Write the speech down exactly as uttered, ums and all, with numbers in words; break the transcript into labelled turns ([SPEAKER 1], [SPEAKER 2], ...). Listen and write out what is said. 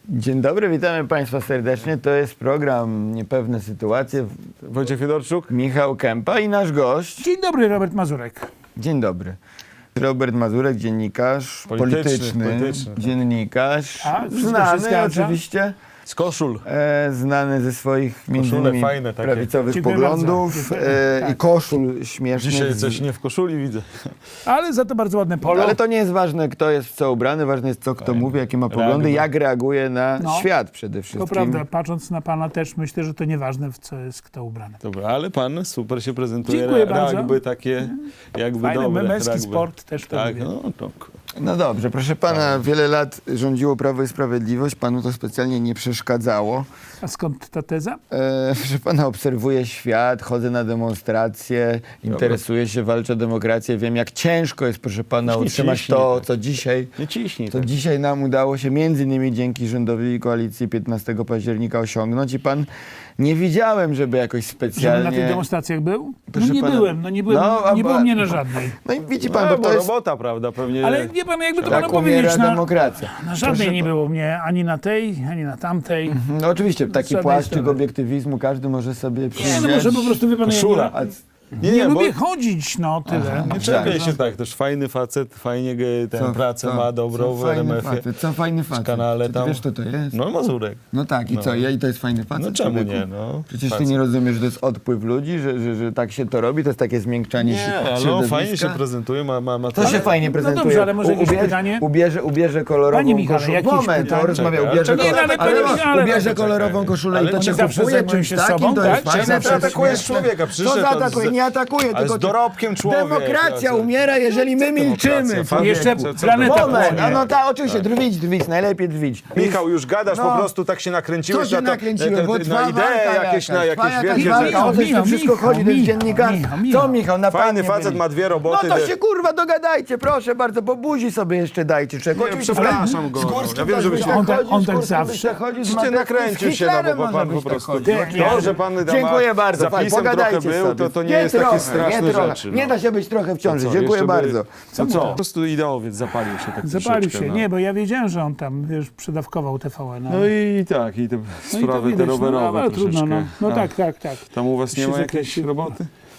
[SPEAKER 1] Dzień dobry, witamy Państwa serdecznie. To jest program Niepewne Sytuacje.
[SPEAKER 2] Wojciech Fiedorczuk.
[SPEAKER 1] Michał Kępa i nasz gość.
[SPEAKER 3] Dzień dobry, Robert Mazurek.
[SPEAKER 1] Dzień dobry. Robert Mazurek, dziennikarz
[SPEAKER 2] Polityczny,
[SPEAKER 1] polityczny,
[SPEAKER 2] polityczny, tak.
[SPEAKER 1] dziennikarz,
[SPEAKER 3] A, wszystko się
[SPEAKER 1] znany
[SPEAKER 3] zgadza.
[SPEAKER 1] oczywiście,
[SPEAKER 2] Z koszul.
[SPEAKER 1] e, znany ze swoich między
[SPEAKER 2] Koszule
[SPEAKER 1] innymi
[SPEAKER 2] fajne takie.
[SPEAKER 1] prawicowych
[SPEAKER 3] Dziękuję
[SPEAKER 1] poglądów
[SPEAKER 3] bardzo.
[SPEAKER 1] e,
[SPEAKER 3] Tak.
[SPEAKER 1] i koszul śmiesznych.
[SPEAKER 2] Dzisiaj
[SPEAKER 1] z-
[SPEAKER 2] coś nie w koszuli widzę.
[SPEAKER 3] Ale za to bardzo ładne polo.
[SPEAKER 1] Ale to nie jest ważne, kto jest w co ubrany, ważne jest co kto mówi, jakie ma poglądy,
[SPEAKER 2] Reaguje.
[SPEAKER 1] jak reaguje na
[SPEAKER 3] No.
[SPEAKER 1] świat przede wszystkim.
[SPEAKER 3] To prawda, patrząc na pana też myślę, że to nieważne, w co jest kto ubrany.
[SPEAKER 2] Dobra, ale pan super się prezentuje.
[SPEAKER 3] Dziękuję bardzo.
[SPEAKER 2] Rugby takie jakby
[SPEAKER 3] Fajny,
[SPEAKER 2] dobre.
[SPEAKER 3] męski
[SPEAKER 2] rugby.
[SPEAKER 3] sport też to
[SPEAKER 2] Tak,
[SPEAKER 3] lubię.
[SPEAKER 2] no to...
[SPEAKER 1] No dobrze, proszę pana, wiele lat rządziło Prawo i Sprawiedliwość, panu to specjalnie nie przeszkadzało.
[SPEAKER 3] A skąd ta teza?
[SPEAKER 1] E, proszę pana, obserwuję świat, chodzę na demonstracje, interesuję się, walczę o demokrację, wiem jak ciężko jest, proszę pana,
[SPEAKER 2] Już nie
[SPEAKER 1] utrzymać
[SPEAKER 2] ciśnij
[SPEAKER 1] to,
[SPEAKER 2] tak.
[SPEAKER 1] co dzisiaj,
[SPEAKER 2] Nie ciśnij.
[SPEAKER 1] co
[SPEAKER 2] tak.
[SPEAKER 1] dzisiaj nam udało się między innymi dzięki rządowi koalicji piętnastego października osiągnąć i pan, nie widziałem, żeby jakoś
[SPEAKER 3] Żebym
[SPEAKER 1] specjalnie...
[SPEAKER 3] na tych demonstracjach był? No
[SPEAKER 1] Proszę
[SPEAKER 3] nie
[SPEAKER 1] pana-
[SPEAKER 3] byłem, no nie byłem,
[SPEAKER 1] No, a
[SPEAKER 3] nie było
[SPEAKER 1] ba-
[SPEAKER 3] mnie na żadnej.
[SPEAKER 1] No i widzi pan,
[SPEAKER 2] No,
[SPEAKER 1] bo
[SPEAKER 2] bo
[SPEAKER 1] to jest...
[SPEAKER 2] robota, prawda, pewnie.
[SPEAKER 3] Ale wie pan, jakby to
[SPEAKER 1] Tak
[SPEAKER 3] panu
[SPEAKER 1] umiera
[SPEAKER 3] powiedzieć, na,
[SPEAKER 1] demokracja.
[SPEAKER 3] na żadnej
[SPEAKER 1] Proszę
[SPEAKER 3] nie
[SPEAKER 1] pa-
[SPEAKER 3] było mnie, ani na tej, ani na tamtej.
[SPEAKER 1] No oczywiście, taki
[SPEAKER 3] żadnej
[SPEAKER 1] płaszczyk
[SPEAKER 3] strony.
[SPEAKER 1] obiektywizmu każdy może sobie przyjrzeć.
[SPEAKER 3] Nie, no może po prostu, wie pan,
[SPEAKER 2] Koszula.
[SPEAKER 3] ja
[SPEAKER 1] A
[SPEAKER 3] nie,
[SPEAKER 2] Nie,
[SPEAKER 3] nie,
[SPEAKER 2] nie, bo-
[SPEAKER 3] lubię chodzić, no tyle.
[SPEAKER 2] Nie czepiaj się tak, też fajny facet, fajnie ge- tę
[SPEAKER 1] Co-
[SPEAKER 2] pracę
[SPEAKER 1] co-
[SPEAKER 2] ma dobrą
[SPEAKER 1] co
[SPEAKER 2] w
[SPEAKER 1] fajny
[SPEAKER 2] R M F-ie.
[SPEAKER 1] facet, co fajny facet.
[SPEAKER 2] kanale
[SPEAKER 1] Czy ty
[SPEAKER 2] tam.
[SPEAKER 1] wiesz, kto to jest?
[SPEAKER 2] No Mazurek.
[SPEAKER 1] No tak, i
[SPEAKER 2] No.
[SPEAKER 1] co? Ja, I to jest fajny facet?
[SPEAKER 2] No czemu
[SPEAKER 1] człowieku?
[SPEAKER 2] nie, no.
[SPEAKER 1] Przecież ty
[SPEAKER 2] Facet.
[SPEAKER 1] nie rozumiesz, że to jest odpływ ludzi, że, że, że tak się to robi, to jest takie zmiękczanie
[SPEAKER 2] Nie, ale on
[SPEAKER 1] środowiska.
[SPEAKER 2] fajnie się prezentuje, ma... ma, ma
[SPEAKER 1] To się fajnie prezentuje.
[SPEAKER 3] dobrze, ale może jakieś
[SPEAKER 1] ubierze,
[SPEAKER 3] pytanie?
[SPEAKER 1] Ubierze, ubierze kolorową
[SPEAKER 3] Panie Michale,
[SPEAKER 1] koszulę.
[SPEAKER 3] jakieś
[SPEAKER 1] Moment,
[SPEAKER 3] pytanie?
[SPEAKER 1] to rozmawia,
[SPEAKER 2] Czekaj,
[SPEAKER 1] ubierze,
[SPEAKER 2] ale
[SPEAKER 3] nie, no, ale
[SPEAKER 1] ale,
[SPEAKER 3] panie
[SPEAKER 1] no,
[SPEAKER 3] Michale,
[SPEAKER 1] ubierze
[SPEAKER 3] no,
[SPEAKER 1] kolorową
[SPEAKER 2] czekaj.
[SPEAKER 1] koszulę
[SPEAKER 2] Ale
[SPEAKER 1] i to
[SPEAKER 2] oni
[SPEAKER 1] cię
[SPEAKER 3] zawsze
[SPEAKER 1] kupuje
[SPEAKER 3] zajmują
[SPEAKER 1] czymś
[SPEAKER 3] się
[SPEAKER 1] takim,
[SPEAKER 3] sobą,
[SPEAKER 1] to
[SPEAKER 3] tak?
[SPEAKER 1] jest
[SPEAKER 3] Czy
[SPEAKER 1] fajne.
[SPEAKER 3] zawsze
[SPEAKER 1] to jest
[SPEAKER 2] atakujesz
[SPEAKER 1] śmieszne.
[SPEAKER 2] człowieka,
[SPEAKER 1] Co
[SPEAKER 2] przyszedł
[SPEAKER 1] zaatakuje?
[SPEAKER 2] on z-
[SPEAKER 1] Nie atakuje,
[SPEAKER 2] Ale
[SPEAKER 1] tylko...
[SPEAKER 2] z dorobkiem człowiek.
[SPEAKER 1] Demokracja
[SPEAKER 2] ja-
[SPEAKER 1] umiera, jeżeli my milczymy.
[SPEAKER 2] Demokracja, fakt.
[SPEAKER 3] Jeszcze
[SPEAKER 2] Co- co-
[SPEAKER 3] planeta
[SPEAKER 1] Moment,
[SPEAKER 3] płonie.
[SPEAKER 1] a no tak, oczywiście, drwić, drwić, najlepiej drwić.
[SPEAKER 2] Michał, już gadasz,
[SPEAKER 1] No.
[SPEAKER 2] po prostu tak się nakręciłeś
[SPEAKER 1] Co się
[SPEAKER 2] na to,
[SPEAKER 1] nakręciłem?
[SPEAKER 2] na,
[SPEAKER 1] Bo
[SPEAKER 2] na,
[SPEAKER 1] trwa
[SPEAKER 2] na idee
[SPEAKER 1] walka
[SPEAKER 2] jakieś, na
[SPEAKER 1] jakaś, trwa
[SPEAKER 2] jakieś
[SPEAKER 1] jakaś
[SPEAKER 2] wielkie
[SPEAKER 1] walka, o
[SPEAKER 2] rzeczy.
[SPEAKER 1] coś tu wszystko
[SPEAKER 3] Michał,
[SPEAKER 1] chodzi, to jest
[SPEAKER 3] Michał,
[SPEAKER 1] dziennikarz.
[SPEAKER 3] Michał, Michał.
[SPEAKER 1] Co Michał, na
[SPEAKER 2] Fajny
[SPEAKER 1] pannie
[SPEAKER 2] facet
[SPEAKER 1] byli.
[SPEAKER 2] ma dwie
[SPEAKER 1] No
[SPEAKER 2] roboty.
[SPEAKER 1] to
[SPEAKER 2] de-
[SPEAKER 1] się kurwa dogadajcie, proszę bardzo, bo buzi sobie jeszcze dajcie czego.
[SPEAKER 2] Nie, przepraszam go,
[SPEAKER 1] z
[SPEAKER 2] no.
[SPEAKER 1] Górskim
[SPEAKER 2] Ja wiem,
[SPEAKER 1] też
[SPEAKER 2] że
[SPEAKER 1] byś
[SPEAKER 2] byś-
[SPEAKER 1] tak
[SPEAKER 3] On tak-
[SPEAKER 1] chodził,
[SPEAKER 3] on
[SPEAKER 1] z
[SPEAKER 3] tak
[SPEAKER 1] Górskim byś
[SPEAKER 3] zawsze.
[SPEAKER 1] tak chodził, z
[SPEAKER 2] Czy ty
[SPEAKER 1] Mateuszem,
[SPEAKER 2] nakręcił
[SPEAKER 1] z
[SPEAKER 2] się, no
[SPEAKER 1] Hitlerem
[SPEAKER 2] bo pan
[SPEAKER 1] może
[SPEAKER 2] po
[SPEAKER 1] byś tak
[SPEAKER 2] prostu...
[SPEAKER 1] chodził.
[SPEAKER 3] Nie,
[SPEAKER 2] To, że pan tam
[SPEAKER 1] Dziękuję bardzo,
[SPEAKER 2] za
[SPEAKER 1] fajnie,
[SPEAKER 2] pisem trochę
[SPEAKER 1] pogadajcie
[SPEAKER 2] był,
[SPEAKER 1] sobie.
[SPEAKER 2] to, to nie, jest takie
[SPEAKER 1] trochę,
[SPEAKER 2] straszne
[SPEAKER 1] nie trochę.
[SPEAKER 2] rzeczy.
[SPEAKER 1] Nie
[SPEAKER 2] no.
[SPEAKER 1] da się być trochę w ciąży,
[SPEAKER 2] Co,
[SPEAKER 1] dziękuję
[SPEAKER 2] jeszcze by-
[SPEAKER 1] bardzo.
[SPEAKER 2] Co, co? Po prostu ideowiec zapalił się tak
[SPEAKER 3] Zapalił
[SPEAKER 2] troszeczkę,
[SPEAKER 3] się,
[SPEAKER 2] no.
[SPEAKER 3] nie, bo ja wiedziałem, że on tam, wiesz, przedawkował T V N.
[SPEAKER 2] No i tak, i te
[SPEAKER 3] No i to
[SPEAKER 2] sprawy te
[SPEAKER 3] widać, no,
[SPEAKER 2] rowerowe
[SPEAKER 3] ale trudno, no.
[SPEAKER 2] troszeczkę.
[SPEAKER 3] No
[SPEAKER 2] A
[SPEAKER 3] tak, tak, tak.
[SPEAKER 2] Tam u was nie
[SPEAKER 3] Się
[SPEAKER 2] ma jakiejś
[SPEAKER 3] zakreślił.
[SPEAKER 2] roboty?